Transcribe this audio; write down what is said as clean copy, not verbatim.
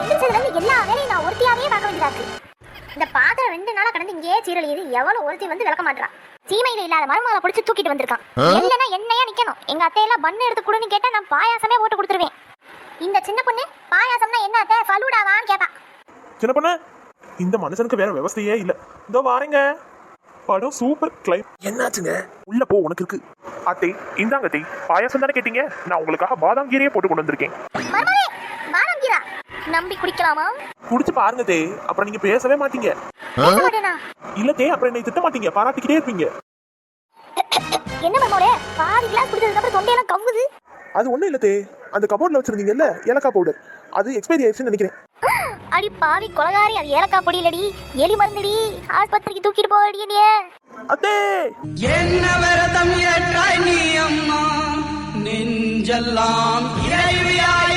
எந்திரிச்சதுல இருந்து எல்லா வேலையும் நான் ஒருத்தியாவே பார்க்க வேண்டியதா இருக்கு. இந்த பாத்திரம் 2 நாளா கடந்து இங்கே சீரழியுது. எவ்வளவு ஒருத்தி வந்து விளக்க மாட்டா. சீமையில இல்லாத மருமகளை பிடிச்சி தூக்கிட்டு வந்திருக்கான். இல்லைன்னா என்னையா நிக்கணும். எங்க அத்தையெல்லாம் பண்ணு எடுத்து கொடுன்னு கேட்டா நான் பாயாசமே போட்டு கொடுத்துருவேன். இந்த சின்ன பொண்ணு பாயாசம்னா என்ன அத்தை ஃபலூடாவான்னு கேட்பா. சின்ன பொண்ணு, இந்த மனுஷனுக்கு வேற விவசாயே இல்ல. இதோ வாரேங்க. படம் சூப்பர். கிளைம் என்னாச்சுங்க? உள்ள போ, உனக்கு இருக்கு. அத்தை இந்தாங்க அத்தை, பாயாசம் தானே கேட்டீங்க, நான் உங்களுக்காக பாதாம் கீரையே போட்டு கொண்டு வந்திருக்கேன். மருமகளே, பாதாம் கீரா நம்பி குடிக்கலாமா? குடிச்சு பாருங்க தே, அப்புறம் நீங்க பேசவே மாட்டீங்க. இல்ல தே, அப்புறம் என்னை திட்ட மாட்டீங்க, பாராட்டிக்கிட்டே இருப்பீங்க. என்ன மருமகளே, பாதி கிளாஸ் குடிச்சதுக்கு அப்புறம் தொண்டையெல்லாம் கவ்வுது. அது ஒண்ணும் இல்ல தே, அந்த கபோர்ட்ல வச்சிருந்தீங்கல்ல ஏலக்காய் பவுடர், அது எக்ஸ்பைரி ஆயிடுச்சுன்னு நினைக்கிறேன். அடி பாவி கொலகாரி, அது ஏலக்காய் பொடி இல்லடி, எலி மருந்துடி. ஆஸ்பத்திரிக்கு தூக்கிட்டு போவடி நீ. அத்தே என்ன விரதம் ஏற்றாய் நீ அம்மா, நெஞ்செல்லாம் இறைவியாய்